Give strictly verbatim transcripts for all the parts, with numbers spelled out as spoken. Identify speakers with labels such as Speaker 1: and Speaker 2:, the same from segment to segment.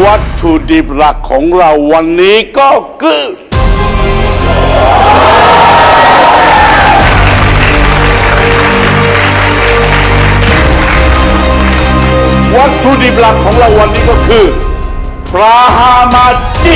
Speaker 1: วัตถุดิบหลักของเราวันนี้ก็คือวัตถุดิบหลักของเราวันนี้ก็คือปลาฮามาจิ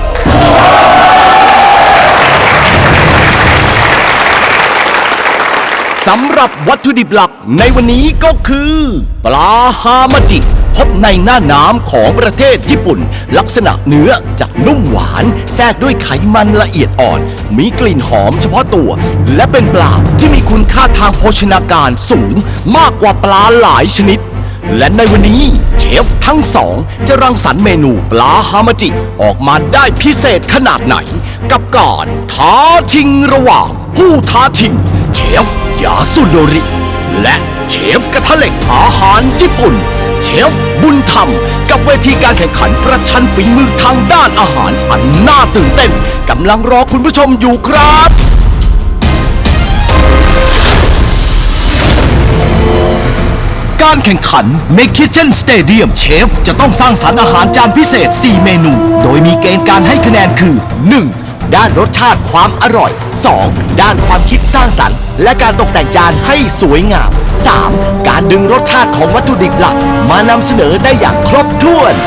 Speaker 2: สำหรับวัตถุดิบหลักในวันนี้ก็คือปลาฮามาจิพบในหน้าน้ำของประเทศญี่ปุ่นลักษณะเนื้อจะนุ่มหวานแทรกด้วยไขมันละเอียดอ่อนมีกลิ่นหอมเฉพาะตัวและเป็นปลาที่มีคุณค่าทางโภชนาการสูงมากกว่าปลาหลายชนิดและในวันนี้เชฟทั้งสองจะรังสรรค์เมนูปลาฮามาจิออกมาได้พิเศษขนาดไหนกับการท้าชิงระหว่างผู้ท้าชิงเชฟยาสุโนริและเชฟกระทะเหล็กอาหารญี่ปุ่นเชฟบุญธรรมกับเวทีการแข่งขันประชันฝีมือทางด้านอาหารอันน่าตื่นเต้นกำลังรอคุณผู้ชมอยู่ครับการแข่งขันใน Kitchen Stadium เชฟจะต้องสร้างสรรค์อาหารจานพิเศษสี่เมนูโดยมีเกณฑ์การให้คะแนนคือ หนึ่ง ด้านรสชาติความอร่อย สอง ด้านความคิดสร้างสรรค์และการตกแต่งจานให้สวยงาม สาม การดึงรสชาติของวัตถุดิบหลักมานำเสนอได้อย่างครบถ้วน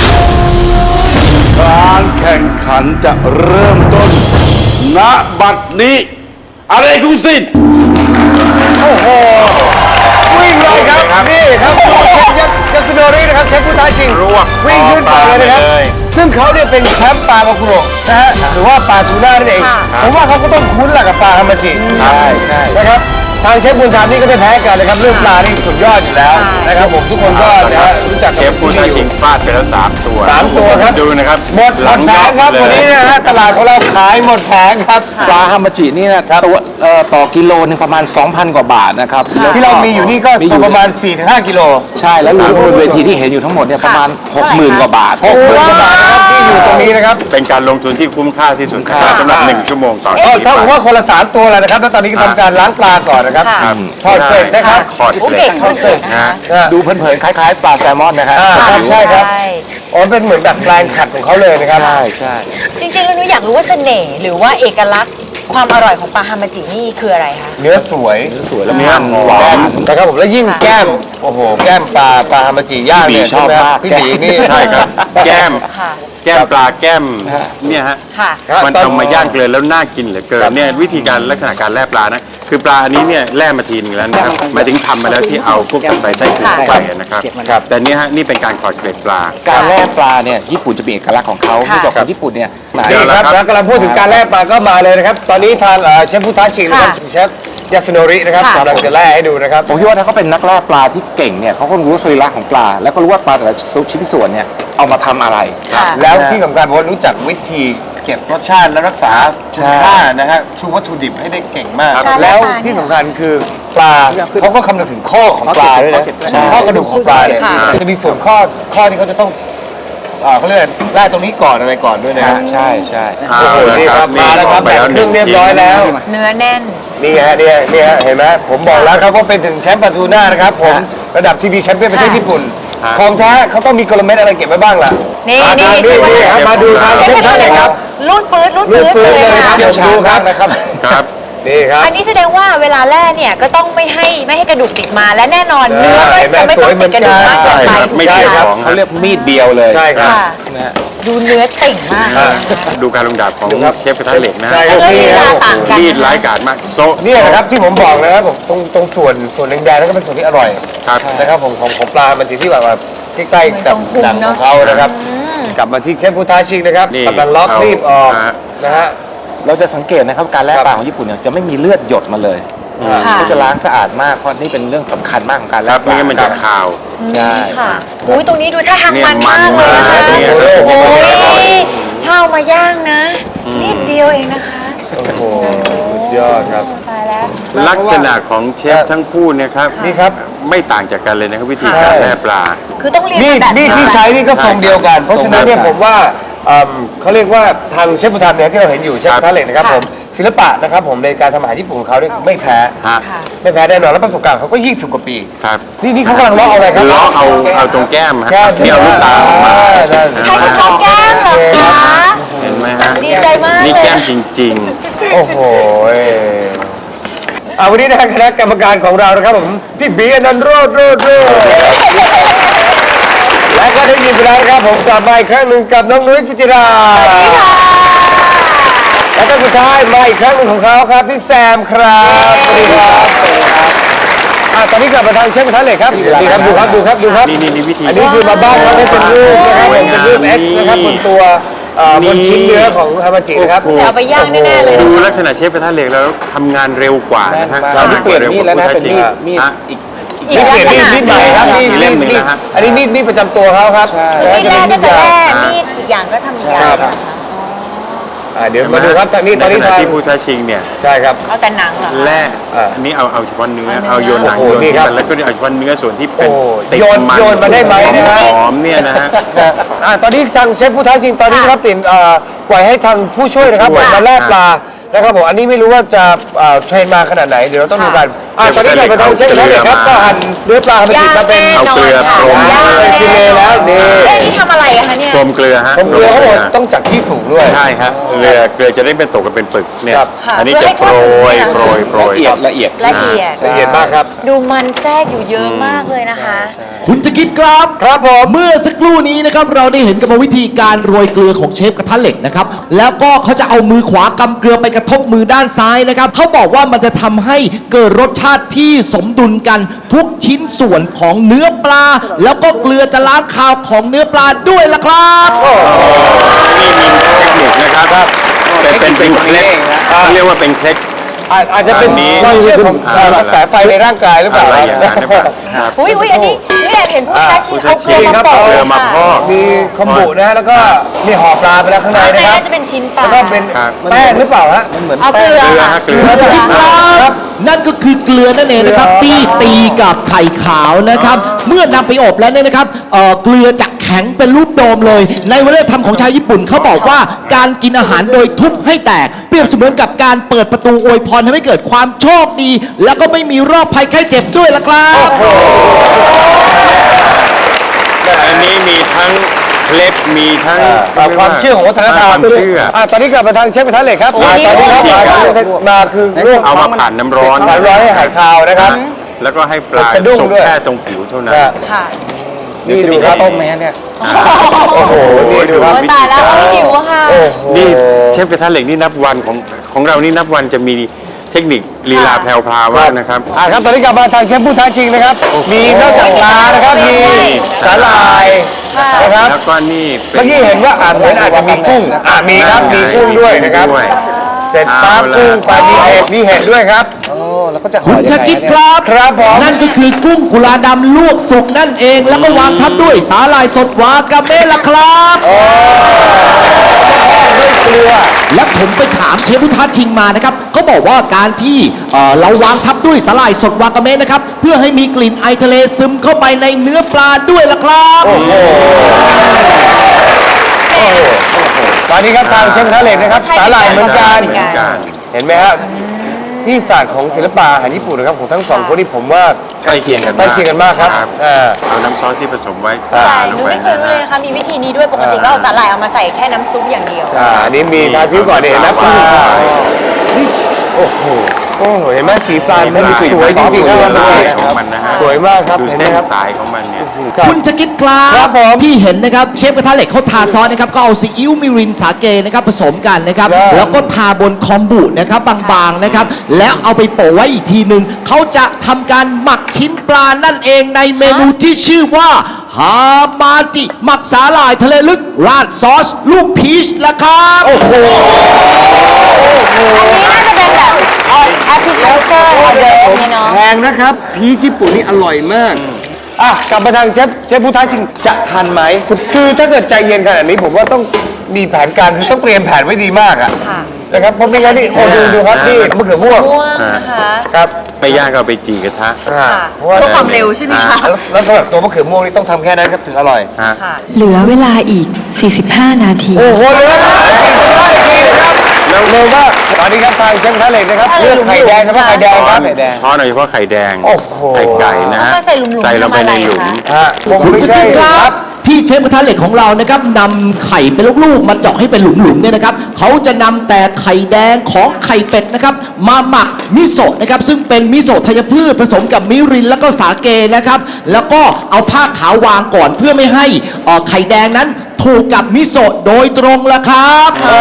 Speaker 1: การแข่งขันจะเริ่มต้นณบัดนี้อะไรคุณสินโอ้โห
Speaker 3: วิ่งเลยครับนี่ครับยาสุโนรินะครับเชฟผู้ท้าชิงวิ่งขึ้นไปเลยนะครับซึ่งเขาเนี่ยเป็นแชมป์ปลามาคุโระนะฮะหรือว่าปลาทูน่านั่นเองผมว่าเขาก็ต้องคุ้นแหละกับปลาฮามาจิใช่ใช่นะครับทางเชฟบุญธรรมนี่ก็ไม่แพ้กันนะครับเรื่องปลานี่สุดยอดอยู่แล้วนะครับผมทุกคนก็รู้จัก
Speaker 4: เชฟผู้ท้าชิงฟาดไปแล้วสามตัว
Speaker 3: สามตัวครับ
Speaker 4: ดูนะครับ
Speaker 3: หมดหมดแผงครับวันนี้นะฮะตลาดของเราขายหมดแผงครับ
Speaker 5: ปลาฮามาจินี่นะครับตัวต่อกิโลนึงประมาณ สองพัน กว่าบาทนะครับ
Speaker 3: ที่เรามีอยู่นี่ก็ตัวประมาณ สี่ถึงห้า กิโล
Speaker 5: ใช่แล้วรวมบนเวทีที่เห็นอยู่ทั้งหมดเนี่ยประมาณ หกหมื่น กว่าบาท
Speaker 3: หกหมื่น กว่าบาทนะครับที่อยู่ตรงนี้นะครับ
Speaker 4: เป็นการลงทุนที่คุ้มค่าที่สุดนะครับสำหรับหนึ่งชั่วโมงต่อ
Speaker 3: ก็เท่ากับว่าคนละสามตัวแล้วนะครับแล้วตอนนี้ก็ทำการล้างปลาก่อนนะครับทอดเกล็ดนะครับ
Speaker 4: ทอดเกล็ด
Speaker 3: ทอดเกล็ด
Speaker 5: ดูเผินๆคล้ายๆปลาแซลมอนนะครับ
Speaker 3: ใช่ครับอ๋อเป็นเหมือนแบบแปลงขัดของเขาเลยนะครับ
Speaker 5: ใช่ใช่
Speaker 6: จริงๆแล้วหนูอยากรู้ว่าเสน่ห์หรือว่าเอกลักษณ์ความอร่อยของปลาฮามาจินี่คืออะไรคะ
Speaker 3: เนื้อสวย
Speaker 5: เนื้อสวยแล้ว
Speaker 3: มันหวานนะครับผมแล้วยิ่งแก้มโอ้โหแก้มปลาปลาฮามาจิย่างเนี่ย
Speaker 5: ชอบมาก
Speaker 3: พี่บีนี่
Speaker 4: ใช่ครับแก้มแก้มปลาแก้มเนี่ยฮะมันเอามาย่างเกลือแล้วน่ากินเหลือเกินเนี่ยวิธีการลักษณะการแล่ปลานะคือปลาอันนี้เนี่ยแล่มาทีนึงแล้วนะครับหมายถึงทำมาแล้วที่เอาพวกใส่ไส้กุ้งเข้าไปนะครับแต่เนี่ยฮะนี่เป็นการขอดเกล็ดปลา
Speaker 5: การแล่ปลาเนี่ยญี่ปุ่นจะมีเอกลักษณ์ของเขาที่บอกกับญี่ปุ่นเนี่ย
Speaker 3: นี่ครับแล้วกำลังพูดถึงการแล่ปลาก็มาเลยนะครับตอนนี้ทางเชฟผู้ท้าชิงนะครับเชฟยาสุโนรินะครับกำลังจะแล่ให้ดูนะครับ
Speaker 5: ผมคิดว่าถ้าเขาเป็นนักล่าปลาที่เก่งเนี่ยเขาก็รู้สรีระของปลาแล้วก็รู้ว่าปลาแต่ละชิ้นส่วนเนี่ยเอามาทำอะไร
Speaker 3: แล้วที่สำคัญผมว่ารู้จักวิธีเก็บรสชาติและรักษาคุณค่านะฮะชูวัตถุดิบให้ได้เก่งมากแล้วที่สำคัญคือปลาเขาก็คำนึงถึงข้อของปลาด้วยนะข้อกระดูกของปลาเนี่ยจะมีส่วนข้อข้อที่เขาจะต้องเขาเรียกไล่ตรงนี้ก่อนอะไรก่อนด้วยนะ
Speaker 5: ใช่ใช่
Speaker 3: นี่ครับมาแล้วครับแบบเครื่องเรียบร้อยแล้ว
Speaker 6: เนื้อแน่น
Speaker 3: นี่ฮะนี่นี่ฮะเห็นไหมผมบอกแล้วครับว่าเป็นถึงแชมป์ปลาทูน่านะครับผมระดับทีวีแชมป์เปี้ยนประเทศญี่ปุ่นของแท้เขาต้องมีกลเม็ดอะไรเก็บไว้บ้างล่ะ
Speaker 6: นี่นี่
Speaker 3: นี่มาดูทางเชฟท่านเลยครับ
Speaker 6: รูดปื๊ดรูดปื๊ดเลย
Speaker 3: ครับเดี๋ยวดูครับนะครับ
Speaker 4: ครับ
Speaker 3: นี่ครับ
Speaker 6: อันนี้แสดงว่าเวลาแล่เนี่ยก็ต้องไม่ให้ไม่ให้กระดูกติดมาและแน่นอนเนื้อก็จะไม่ต้องติดกระดูกมากเกินไป
Speaker 4: ไม่ใช่ครับ
Speaker 5: เขาเรียกมีดเดียวเลย
Speaker 3: ใช่ครับ
Speaker 6: ดูเนื้อติ่งมาก
Speaker 4: ดูการลงดาบของเชฟกระทะเหล็กนะ
Speaker 3: ใช่
Speaker 6: ครับ
Speaker 4: มีดร้ายกาจมากโซ่
Speaker 3: นี่นะครับที่ผมบอกนะครับผมตรงตรงส่วนส่วนแดงๆนั่นก็เป็นส่วนที่อร่อยนะครับผมของของปลามันจะที่แบบใกล้ๆกับหนังของเขานะครับกลับมาที่เชฟผู้ท้าชิงนะครับกำลังล็อกรีบออกนะฮะ
Speaker 5: เราจะสังเกตนะครับการแล่ปลาของญี่ปุ่นเนี่ยจะไม่มีเลือดหยดมาเลยเขาจะล้างสะอาดมากเพราะนี่เป็นเรื่องสำคัญมากของการแล่ปลา
Speaker 4: ไม่งั้นมันจะคาว
Speaker 6: ใช่ค่ะอุ้ยตรงนี้ดูท่าทางมันมากเลยนะคะโอ้ยข้าวมาย่างนะนิดเดียวเองนะคะ
Speaker 3: โอ้โหสุดยอดครับ
Speaker 6: ตายแล้ว
Speaker 4: ลักษณะของเชฟทั้งคู่เนี่ยครับ
Speaker 3: นี่ครับ
Speaker 4: ไม่ต่างจากกันเลยนะครับวิธีการแล่ปลา
Speaker 6: คือต้องเรียน
Speaker 3: แบบมีดที่ใช้นี่ก็ทรงเดียวกันเพราะฉะนั้นเนี่ยผมว่าเขาเรียกว่าทางเชฟบุญธรรมเนี่ยที่เราเห็นอยู่เชฟกระทะเหล็กนะครับผมศิลปะนะครับผมในการทำอาหารญี่ปุ่นของเขาเนี่ยไม่แพ้ไม่แพ้แน่นอนและประสบการณ์เขาก็ยี่สิบกว่าปีนี่นี่เขากำลังล้อเอาอะไรครับ
Speaker 4: ล้อเอาเอาตรงแก้มครับที่เอาลูกตาออกมา
Speaker 3: ได้
Speaker 6: ใช้คุณชอบแก้มเหรอคะ
Speaker 4: เห็นไหมฮะ
Speaker 6: ดีใจมากเลย
Speaker 4: นี่แก้มจริง
Speaker 3: โอ้โหอ่าวันนี้นะคณะกรรมการของเรานะครับผมพี่บีอนันต์โรดโรดโรดและก็ได้ยินไปแล้วนะครับผมกลับมาอีกครั้งหนึ่งกับน้องนุ้ยสุจิราและก็สุดท้ายมาอีกครั้งหนึ่งของเขาครับพี่แซมครับสวัสดีครับสวัสดีครับอ่าตอนนี้กลับมาทางเชฟกระทะเหล็กครับดีครับดูครับดูครับดูครับ
Speaker 4: นี่นี่นี่วิธี
Speaker 3: อันนี้คือมาบ้านเขาให้เป็นรูปนะครับผมเป็นรูป X นะครับบนตัวเอ่อบนชิ้นเนื้อของฮามาจินะครับ
Speaker 6: จะเอาไปย่างแน่ๆเลย
Speaker 4: ๆ ดูลักษณะเชฟกระทะเหล็กแล้วทำงานเร็วกว่านะฮะ
Speaker 5: เราที่เปลี่ยนมีดแล้วนะเป็นมีดมีด
Speaker 4: ฮะ
Speaker 5: อีก
Speaker 6: อี
Speaker 3: นี่
Speaker 6: ก
Speaker 3: เป
Speaker 6: ลัก
Speaker 3: ลี่ยน
Speaker 6: ษ
Speaker 3: มีด
Speaker 6: ณะ
Speaker 3: มีดใหม่ครับมีด
Speaker 4: อีกเล่มหนึ่ง
Speaker 3: มีด
Speaker 4: นะฮะ
Speaker 3: อันนี้มีดมีดประจำตัวเขาครับ
Speaker 6: คือมีดแรกก็จะแร่
Speaker 3: อ่า
Speaker 6: มีดอีกอย่างก็ทำอีกอย่างนะคะ
Speaker 3: อ่าเดี๋ยวมาดูครับทางนี้ตอนนี้
Speaker 4: ในขณะ
Speaker 3: ทาง
Speaker 4: ที่ผู้ท้าชิงเนี่ย
Speaker 3: ใช่ครับ
Speaker 6: เอาแต่หนังเหรอคะ
Speaker 4: แร่
Speaker 3: อ่า
Speaker 4: อันนี้เอาเอาเฉพาะเนื้อเอาโยนหนัง
Speaker 3: โอ้
Speaker 4: โย
Speaker 3: โห
Speaker 4: น
Speaker 3: นี่
Speaker 4: ที่
Speaker 3: ครับ
Speaker 4: มันแล้วก็เอาเฉพาะเนื้อส่วนที่เป็น
Speaker 3: โอ้
Speaker 4: ติด
Speaker 3: โยน
Speaker 4: มัน
Speaker 3: โยนมาได้ไหมนะฮะ
Speaker 4: หอมๆเนี่ยนะฮะ
Speaker 3: อ่าตอนนี้ทางเชฟผู้ท้าชิงตอนนี้นะครับติ่นเอ่อปล่อยให้ทางผู้ช่วยนะครับ
Speaker 4: ผู้ช่วย
Speaker 3: มาแล่ปลานะครับผมอันนี้ไม่รู้ว่าจะเอ่อเทรนมาขนาดไหนเดี๋ยวเราต้องดูกันอ่าตอนนี้เราไปทางเชฟผู้ท้าชิงครับก็หั่นเนื้อปลาให้มันติดมาเป็น
Speaker 6: ย่าง
Speaker 4: เอาเกลือ
Speaker 6: แน่น
Speaker 4: พร
Speaker 6: อน
Speaker 4: ม
Speaker 6: ค่ะ
Speaker 3: อ่าเป็นกิโลแล้วนี่
Speaker 6: เอ๊ะนี่ทำอะไรอะคะเนี่ย
Speaker 4: กลมเกลือฮะ
Speaker 3: ผมเกลือเขาบอกต้องจากที่สูงด้วย
Speaker 4: ใช่ฮะเกลือเกลือจะได้เป็นตกกันเป็นปึกเนี่ย
Speaker 3: ครับ
Speaker 6: ค่ะ
Speaker 4: อันนี้
Speaker 6: เพื่อ
Speaker 4: จะ
Speaker 6: ให้
Speaker 4: โปรย
Speaker 6: ทั่วถึง
Speaker 4: โปรยโปรย
Speaker 5: ละเอียดละเอียด
Speaker 6: ละเอียด
Speaker 3: ละเอียดมากครับ
Speaker 6: ดูมันแทรกอยู่เยอะมากเลยนะคะ
Speaker 2: คุณจะคิดครับ
Speaker 3: ครับผม
Speaker 2: เมื่อสักครู่นี้นะครับเราได้เห็นกรรมวิธีการโรยเกลือของเชฟกระทะเหล็กนะครับแล้วก็เขาจะเอามือขวากำเกลือไปกระทบมือด้านซ้ายนะครับเขาบอกว่ามันจะทำให้เกิดรสชาติที่สมดุลกันทุกชิ้นส่วนของเนื้อปลา แล้วก็เกลือจะล้างคาวของเนื้อปลาด้วยล่ะครับ
Speaker 4: นี่มีเทคนิคนะครับแต่เป็นเป็นเคล็ดเรียกว่าเป็นเคล็ด
Speaker 3: อาจอาจจะเป็น
Speaker 4: อันนี้
Speaker 3: เรื่องของเอ่อกระแสไฟในร่างกายหรือเปล่า
Speaker 4: อะไร
Speaker 3: ค
Speaker 4: อย่าง
Speaker 3: รับ
Speaker 4: นั้นหรือเปล่าครับ
Speaker 6: อุ้ยอุ้ยอันนี้นี่แอบเห็นผู้ท้าชิงเอาเกลือมา
Speaker 3: ครับ
Speaker 6: โปะ
Speaker 4: เกลือมาพอก
Speaker 3: มีคอมบุนะฮะแล้วก็มีห่อปลาไปแล้วข้างใน
Speaker 6: ข้างใน
Speaker 3: นะครับ
Speaker 6: น่าจะเป็นชิ้นปลา
Speaker 3: แล้วก็เป็น
Speaker 4: ครับ
Speaker 3: แป้งหรือเปล่าฮะ
Speaker 5: มันเหมือน
Speaker 6: เอาเกลือ
Speaker 4: เกลือ
Speaker 6: ค่ะ
Speaker 4: ฮะเกลือ
Speaker 2: คุณจะคิดครับนั่นก็คือเกลือนั่นเองนะครับที่ตีกับไข่ขาวนะครับ เมื่อนำไปอบแล้วเนี่ยนะครับเอ่อเกลือจะแข็งเป็นรูปโดมเลย ในวัฒนธรรมของชาวญี่ปุ่นเขาบอกว่าการกินอาหารโดยทุบให้แตก เปรียบเสมือนกับการเปิดประตูอวยพรทำให้เกิดความโชคดี แล้วก็ไม่มีโรคภัยไข้เจ็บด้วยล่ะครับ
Speaker 4: อันนี้มีทั้งเคล็ดมีทั้ง
Speaker 3: อ่าความเชื่อของวัฒนธรรม
Speaker 4: ความเชื่อ
Speaker 3: อ่าตอนนี้กลับมาทางเชฟกระทะเหล็กครับ
Speaker 6: โอ้
Speaker 3: อ่าย ตอนนี้ครับ
Speaker 6: นี่
Speaker 3: มา
Speaker 6: นี่
Speaker 3: คือมาคือลวก
Speaker 4: เอามาผ่านน้ำร้อน
Speaker 3: ผ่านร้อนให้หายคาวนะครับ
Speaker 4: แล้วก็ให้ปลา
Speaker 3: สะดุ้ง
Speaker 4: สุก
Speaker 3: ด้วย
Speaker 4: แค่ตรงผิวเท่านั้น
Speaker 6: ค่ะ
Speaker 3: นี่ดูครับ
Speaker 5: ต้มไหมฮะเนี่ย
Speaker 3: โอ้โหนี่ดูครับ
Speaker 6: โอ้ยตายแล้วไม่หิวอะค่ะ
Speaker 3: โอ้โห
Speaker 4: นี่เชฟกระทะเหล็กนี่นับวันของของเรานี่นับวันจะมีเทคนิคลีลาแพรวพราวมากนะครับ
Speaker 3: อ่าครับตอนนี้กลับมาทางเชฟผู้ท้าชิงนะครับ มีนอกจากปลานะครับมีสาหร่ายนะครับ
Speaker 4: แล้วก็นี่ป็
Speaker 3: เมื่อกี้เห็นว่าอาจเหมือนอาจจะมีกุ้งอ่ามีครับมีกุ้งด้วยนะครับ
Speaker 4: ด้วย
Speaker 3: เสร็จปั๊บกุ้งไปมีเห็ดมีเห็ดด้วยครับ
Speaker 5: โอ้แล้วก็จะห่
Speaker 2: คุ
Speaker 5: อ
Speaker 2: ณ
Speaker 5: ยัง
Speaker 2: จะ
Speaker 5: ไง
Speaker 2: คิด
Speaker 5: เนี่ย
Speaker 2: ครับ
Speaker 3: ครับผม
Speaker 2: นั่นก็คือกุ้งกุลาดำลวกสุกนั่นเอง แล้วก็วางทับด้วยสาหร่ายสดวากาเมะล่ะครับ
Speaker 3: ด้วยเกลือ
Speaker 2: และผมไปถามเชฟพุทธชิงมานะครับเขาบอกว่าการที่เอ่อเราวางทับด้วยสาหร่ายสดวากาเมะนะครับเพื่อให้มีกลิ่นไอทะเลซึมเข้าไปในเนื้อปลาด้วยล่ะครับ
Speaker 3: ตอนนี้ครับทางเชฟกระทะเหล็กนะครับ
Speaker 6: ใช่
Speaker 3: สาหร่ายเหมือนกัน
Speaker 6: เหมือนกัน
Speaker 3: เห็นไหมฮะนี่ศาสตร์ของศิลปะอาหารญี่ปุ่นนะครับของทั้งสองคนนี่ผมว่า
Speaker 4: ใกล้เคียงกัน
Speaker 3: ใกล้เคียงกันมากครับอ่า
Speaker 4: เอาน้ำซอสที่ผสมไว้
Speaker 6: ใช่
Speaker 4: ทาล
Speaker 6: ห
Speaker 4: ง
Speaker 6: นู
Speaker 4: ไป
Speaker 6: ไม่เคย
Speaker 4: นะ
Speaker 6: รู้เลย
Speaker 4: ฮะ
Speaker 6: นะคะ มีวิธีนี้ด้วยปกติก็เอาสาหร่ายเอามาใส่แค่น้ำซุปอย่างเดียว
Speaker 3: อ่าอันนี้มีทาชิ้วก่อนเนี่ยเห็นไหมปลานี่โอ้โหโอ้โหเห็นไหมสีปลามันสวยจริงๆครับ
Speaker 4: ดู
Speaker 3: วัน
Speaker 4: ลาย
Speaker 3: นี้
Speaker 4: ของมันนะฮะ
Speaker 3: สวยมากครับ
Speaker 4: ดู
Speaker 3: เห็นไหม
Speaker 4: เส้น
Speaker 3: ครับ
Speaker 4: สายของมันเนี่ย
Speaker 3: ครับ
Speaker 2: คุณจะคิดครั
Speaker 3: ครับ บผม
Speaker 2: ที่เห็นนะครับเชฟกระทะเหล็กเขาทาซอสนะครับก็เอาซีอิ๊วมิรินสาเกนะครับผสมกันนะครับ
Speaker 3: ครับ
Speaker 2: แล้วก็ทาบนคอมบุนะครับบางๆนะครับแล้วเอาไปโปะไว้อีกทีหนึ่งเขาจะทำการหมักชิ้นปลานั่นเองในเมนูที่ชื่อว่าฮามาจิหมักสาหร่ายทะเลลึกราดซอสลูกพีชละครับโอ้โห
Speaker 6: อันนี้น่าจะเป็นแบบแอปพลิเคชันออเดอร์เนี่ยเนาะ
Speaker 3: แพงนะครับพีชญี่ปุ่นนี่อร่อยมากอ่ะกลับมาทางเชฟเชฟผู้ท้าชิงจะทันไหมคือถ้าเกิดใจเย็นขนาดนี้ผมว่าต้องมีแผนการคือต้องเตรียมแผนไว้ดีมากอะ
Speaker 6: ค่ะ
Speaker 3: นะครับเพราะไม่งั้นนี่โอ้ดูดูครับนี่มะเขือม่วง
Speaker 6: ม่วงนะคะ
Speaker 3: ครับ
Speaker 4: ไปย่างก็เอาไปจีกระทะ
Speaker 3: อ่า
Speaker 6: ค่ะ
Speaker 3: เพราะว่า
Speaker 6: เพื่อความเร็วใช่ไหมคะ
Speaker 3: แล้วแล้วสำหรับตัวมะเขือม่วงนี่ต้องทำแค่นั้นครับถึงอร่อย
Speaker 4: ฮะ
Speaker 6: ค่ะ
Speaker 7: เหลือเวลาอีก สี่สิบห้า นาที
Speaker 3: โอ้โหเลยนะแล้วเร็วมากตอนนี้ครับทางเชฟกระทะเหล็กนะครับเลือกไข่แดงเฉพาะไข่แดงครับ
Speaker 4: ช้อนโดยเฉพาะไข่แดง
Speaker 3: โอ้โห
Speaker 4: ไข่ไก่นะฮะ
Speaker 6: แล้วก็ใส่หลุมๆ
Speaker 4: ใส่ลงไปในหลุม
Speaker 6: ทำอะไรคะ
Speaker 3: ฮะคง
Speaker 2: คุณ
Speaker 3: ไม่
Speaker 2: จะ
Speaker 3: ใช่
Speaker 2: คิดค
Speaker 3: ค
Speaker 2: รั
Speaker 3: รั
Speaker 2: บบที่เชฟกระทะเหล็กของเรานะครับนำไข่เป็นลูกๆมาเจาะให้เป็นหลุมๆเนี่ยนะครับเขาจะนำแต่ไข่แดงของไข่เป็ดนะครับมาหมักมิโซะนะครับซึ่งเป็นมิโซะธัญพืชผสมกับมิรินแล้วก็สาเกนะครับแล้วก็เอาผ้าขาววางก่อนเพื่อไม่ให้เอ่อไข่แดงนั้นถูกกับมิโซะโดยตรงละครับ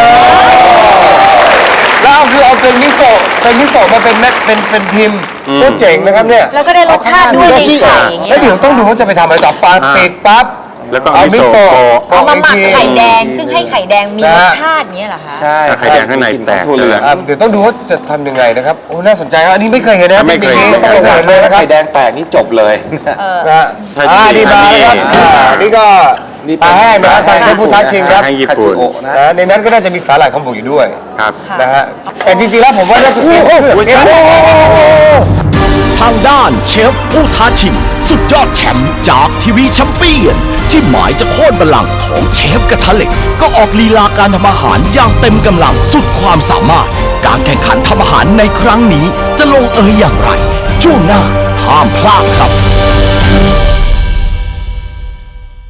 Speaker 3: แล้วเอาคือเอาเป็นมิโซะเป็นมิโซะมาเป็นเม็ดเป็นเป็นพิมพ์ก็เจ๋งนะครับเนี่ย
Speaker 6: แล้วก็ได้รสชาติด้วยในไข่อย่างเงี้
Speaker 3: แล้ว
Speaker 6: ย
Speaker 3: เดี๋ยวต้องดูว่าจะไปทำอะไรต่อปลาปิดปั๊บ
Speaker 4: แล้วก็เอามิโซะ
Speaker 6: เอามาหมัก
Speaker 3: อีที
Speaker 6: ไข่แดง ซึ่งให้ไข่แดงมีรสชาติเงี้ยเหรอคะ
Speaker 5: ใช่
Speaker 4: ไข่แดงข้างในแตก
Speaker 5: ถั่วเหลือง
Speaker 3: อ่ะเดี๋ยวต้องดูว่าจะทำยังไงนะครับโอ้น่าสนใจครับอันนี้ไม่เคยเห็นนะ
Speaker 4: ไม่เคย
Speaker 3: ทคนิคนี้ต้องเห็นเลยนะครับ
Speaker 5: ไข่แดงแตกนี่จบเลย
Speaker 3: นะฮะ
Speaker 4: ใช่
Speaker 3: อ่า
Speaker 4: จริ
Speaker 3: นี่
Speaker 4: งๆ
Speaker 3: มาแล้วครับ
Speaker 4: นี่
Speaker 3: อ่านี่ก็
Speaker 5: นี่
Speaker 3: ปลาแห้งนะครับทางเชฟผู้ท้าชิงครับ
Speaker 4: แห้งญี่ปุ่น
Speaker 5: คาจิโอะนะ
Speaker 3: นะในนั้นก็น่าจะมีสาหร่ายคอมบุอยู่ด้วย
Speaker 4: ครับ
Speaker 3: นะฮะแต่จริงๆแล้วผมว่าน่าจะเป็นเนี่ย
Speaker 2: ทางด้านเชฟผู้ท้าชิงสุดยอดแชมป์จากทีวีแชมเปี้ยน ที่หมายจะโค่นบัลลังก์ของเชฟกระทะเหล็ก ก็ออกลีลาการทำอาหารอย่างเต็มกำลังสุดความสามารถ การแข่งขันทำอาหารในครั้งนี้จะลงเอยอย่างไร ช่วงหน้าห้ามพลาดครับ